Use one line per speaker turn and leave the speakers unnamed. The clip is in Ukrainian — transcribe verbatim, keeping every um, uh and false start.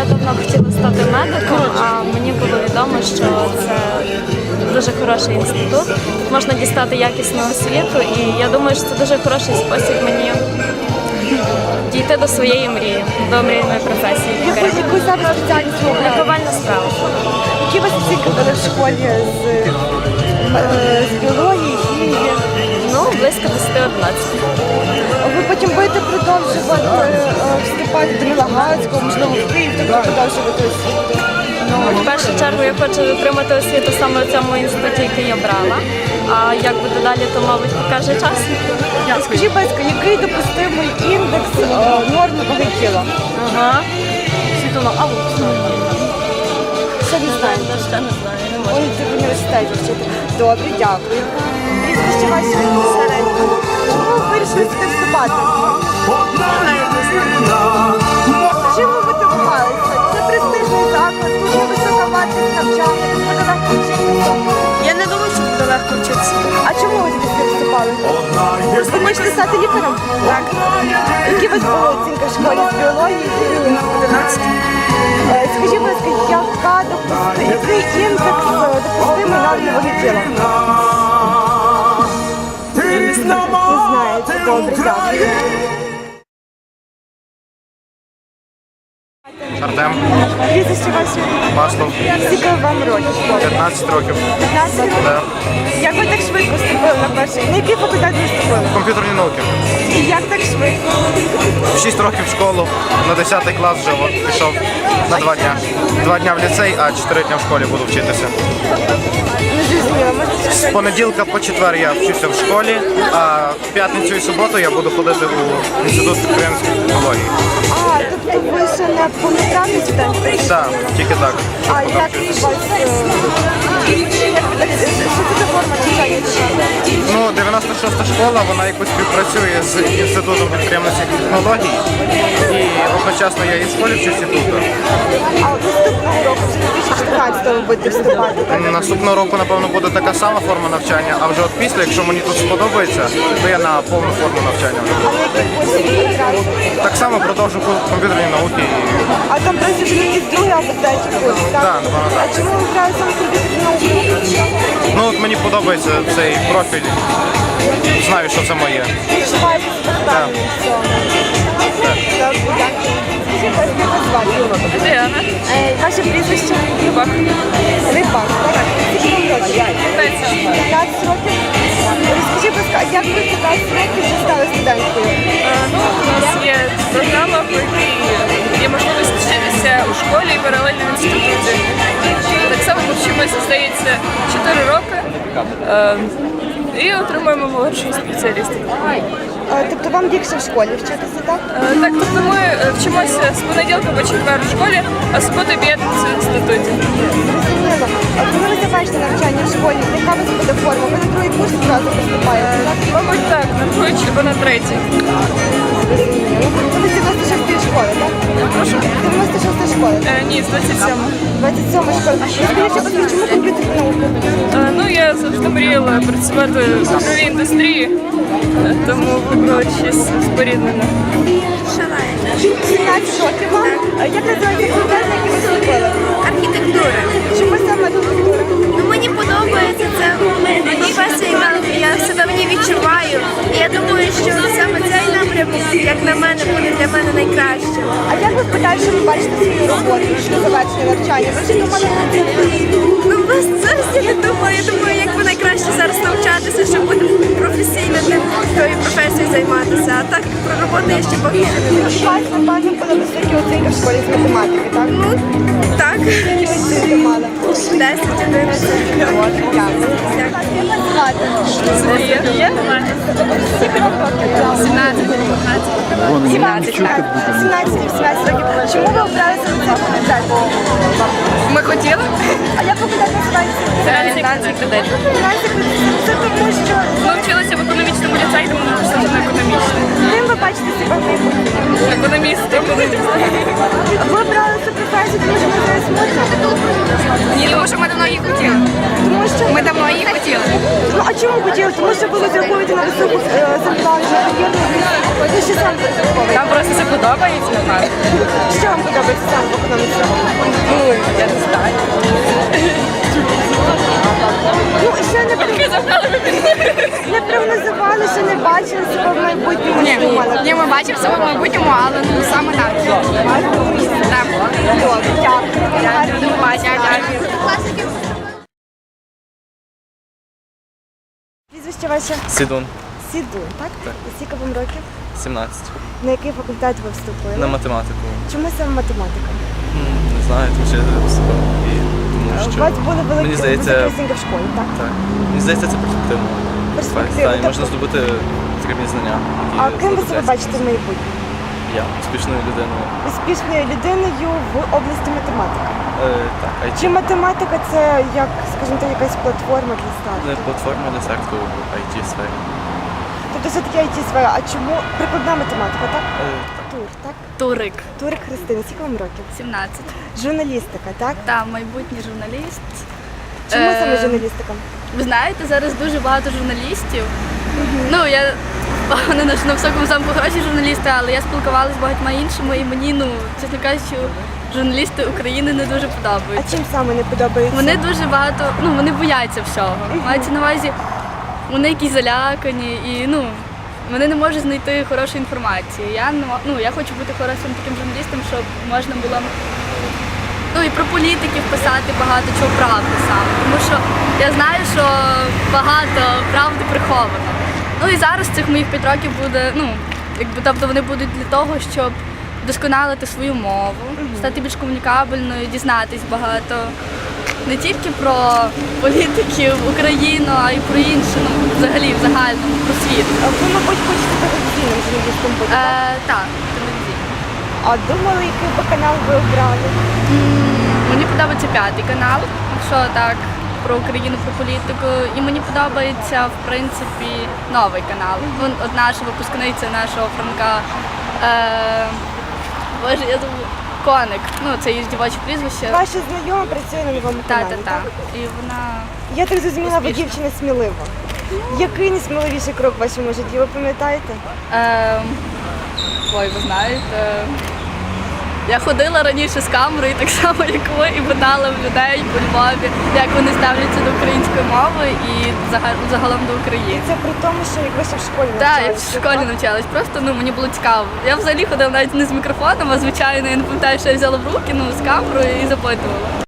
давно хотіла стати медиком, а мені було відомо, що це дуже хороший інститут. Тут можна дістати якісну освіту, і я думаю, що це дуже хороший спосіб мені дійти до своєї мрії, до мрійної професії.
Яку зараз спеціальність ви обираєте?
Лікувальна справа.
Які у вас оцінки були в школі з, е, з біології, хімії?
Ну, близько десять-одинадцять.
Ви потім будете продовжувати е, вступати до Мілагацького, можливо, в Київ, тобто продовжувати освіту?
Ну, в першу чергу я хочу отримати освіту саме в цьому інституті, який я брала. А як буде далі, то, мабуть, покаже час.
Скажіть, будь ласка, який допустимий індекс е, норми ваги тіла?
Ага.
Світлана, а ви що не знаєте?
Я ще не знаю, не можу.
Ой, ти в університеті вчити. Добре, дякую. Прізвище ваше Саренко. Чому ви вирішили сюди вступати? Чим ви мотивувалися? Це престижний заклад, дуже висока вартість навчання, тут буде легко вчитися.
Я не думаю, що буде легко вчитися.
А чому ви сюди вступали? Ви хочете стати лікарем? Так. Які у вас були оцінки в школі з біології?
одинадцять.
Е, Скажіть, будь ласка, яка допусти... який індекс е, допустимий норми ваги тіла? Не знаєте. Добре, дякую.
Артем,
Прізвище ваше?
Маслов,
Скільки вам років?
п'ятнадцять років.
п'ятнадцять років?
Да.
Як ви так швидко вступили на перший? На який факультет ви вступили?
Комп'ютерні науки.
І як так швидко?
В шість років в школу, на десятий клас вже от, пішов на два дня. Два дня в ліцей, а чотири дня в школі буду вчитися.
Не зрозуміло. Можете
З понеділка по четвер я вчуся в школі, а в п'ятницю і суботу я буду ходити у інститут підприємської технології.
А, тобто ви ще не повноправний студент?
Так, тільки так.
А як у вас... е, як ви так- Що це за форма навчання?
Ну, дев'яносто шоста школа, вона якось співпрацює з інститутом підприємницьких технологій. І одночасно я і в школі вчуся тут.
А от наступного року, вже дві тисячі чотирнадцятого ви будете вступати, так?
Наступного року, напевно, буде така сама форма навчання, а вже от після, якщо мені тут сподобається, то я на повну форму навчання вже.
А на який курс ви потрапили?
Так само продовжу курс комп'ютерні науки.
А там просто вже якийсь другий або третій курс, так?
Так, напевно, так.
А чому ви обрали саме комп'ютерні науки?
Ну от мені подобається цей профіль. Знаю, що це моє.
Відчуваєте себе впевнені в цьому? Так, дякую. Скажіть, будь ласка, як вас звати?
Діана.
Е, Ваше прізвище?
Рибак.
Рибак, так? Скільки вам років? п'ятнадцять років? Розкажіть, будь ласка, а як ви в п'ятнадцять років вже стали студенткою?
Ну, у нас є програма, по якій є можливість вчитися у школі і паралельно в інституті. Так само ми вчимося, здається, чотири роки е, і отримуємо молодшого спеціаліста.
Е, Тобто вам легше в школі вчитися, так?
Е, Так, тобто ми е, вчимося з понеділка по четвер у школі, а суботу і п'ятницю в інституті.
Зрозуміло. А коли ви завершите навчання в школі, яка у вас буде форма? Ви на другий курс одразу поступаєте, так?
Мабуть, так, на другий або на третій.
Зрозуміло. Ви з дев'яносто шостої школи, так?
Прошу?
дев'яносто шоста школа.
Е, Ні, з двадцять сьомого.
двадцять сьома школа. Скажіть, будь ласка, чому комп'ютерні науки?
Е, Ну, я завжди мріяла працювати в ігровій індустрії, е, тому вибрала щось споріднене.
сімнадцять років вам. А як називається факультет, на який ви вступили?
Архітектура.
Чому саме архітектура?
Ну, мені подобається це професія, я, я себе в ній відчуваю. І я думаю, що саме цей напрямок, як на мене, буде для мене найкращим.
А як ви в подальшому бачите свою роботу після завершення навчання? Ви вже думали про це?
Ну, без зараз я не думаю. Я думаю, як би найкраще зараз навчатися, щоб бути професійно тим тою професією займатися. А так про роботу я ще поки що не
У вас, напевно, були високі оцінки в школі з математики, так?
Ну, так.
Які ви оцінки мали?
десять одинадцять.
От, дякую. Як вас звати? Скільки вам років?
сімнадцять.
сімнадцять, так. сімнадцять, вісімнадцять років. Чому ви обрали саме цей факультет?
Ми хотіли?
А як факультет називається?
Це фінансовий кредит.
Фінансовий кредит. Це тому, що
Ми вчилися в економічному ліцеї, тому ми пішли на економічний.
ким ви бачите себе в майбутньому?
Економіст, економіст.
Ви обрали цю професію, тому що ви зараз можна?
Ні, тому що ми давно її хотіли.
Тому що
Ми давно її хотіли.
Ну а чому хотіли? Тому що ви розраховуєте на високу е, зарплату, на кар'єрну що саме розраховуєте?
Нам просто це подобається, напевно.
Що вам подобається саме в економіці?
Ну, я не знаю.
Ну, ще не, про- не прогнозували, ще не бачили себе в майбутньому, не думали.
Ні, ми бачимо себе в майбутньому, але ну саме так. Так.
Добре, дякую. Гарного
Дякую.
Прізвище ваше
Сідун,
Сідун, так? І скільки вам років?
сімнадцять.
На який факультет ви вступили?
На математику.
Чому саме математика?
М, Не знаю, тому що я туди поступив. І тому
У
що
вас були великі
мені здається,
високі в школі, так?
так. Мені здається, це перспективно.
Перспективно,
Так, і
тобто-
можна здобути потрібні знання.
А
які
ким ви себе
знадобляться.
бачите в майбутньому?
Я успішною людиною.
Успішною людиною в області математики.
Е, так, ай
Чи
ті.
математика це, як, скажімо так, якась платформа для старту?
Не платформа для старту в ай ті сфері.
Тобто все-таки ай ті сфера. А чому прикладна математика, так?
Е, так.
Тур, так?
Турик,
Турик Христина, скільки вам років?
сімнадцять.
Журналістика, так?
Та майбутній журналіст.
Чому
Е,
саме журналістика?
Ви знаєте, зараз дуже багато журналістів. Ну, я не на на високому замку хороші журналісти, але я спілкувалася з багатьма іншими, і мені, ну, чесно кажучи, журналісти України не дуже
А
подобаються.
чим саме не подобається?
Вони дуже багато, ну, вони бояться всього. Мається на увазі, вони якісь залякані і, ну, вони не можуть знайти хорошої інформації. Я, не мо- ну, я хочу бути хорошим таким журналістом, щоб можна було ну, і про політиків писати багато чого правди саме. Тому що я знаю, що багато правди приховано. Ну і зараз цих моїх п'ять років буде, ну, якби, тобто вони будуть для того, щоб вдосконалити свою мову, стати більш комунікабельною, дізнатись багато не тільки про політиків Україну, а й про інше, ну, взагалі, в загальному, про світ.
А ви, мабуть, хочете телевізійним журналістом бути, так?
Е, так, телевізійно.
А думали, який би канал ви обрали?
Мені подобається п'ятий канал, якщо так, про Україну, про політику. І мені подобається, в принципі, новий канал. Вон, от наша випускниця нашого Франка. Е, Боже, я забула. Коник. Ну, це її дівоче прізвище.
Ваша знайома працює на новому
Та,
каналі,
та, та.
так?
І вона.
Я так зрозуміла, ви
Успішна.
дівчина смілива. Який найсміливіший крок в вашому житті, ви пам'ятаєте?
Е, ой, ви знаєте. Я ходила раніше з камерою, так само як ви, і питала в людей по Львові, як вони ставляться до української мови і взага- загалом до України.
Це при тому, що як ви ще в школі
Так, я в
навчалися,
школі
так?
навчалась, просто ну мені було цікаво. Я взагалі ходила навіть не з мікрофоном, а звичайно, я не пам'ятаю, що я взяла в руки, ну з камерою і запитувала.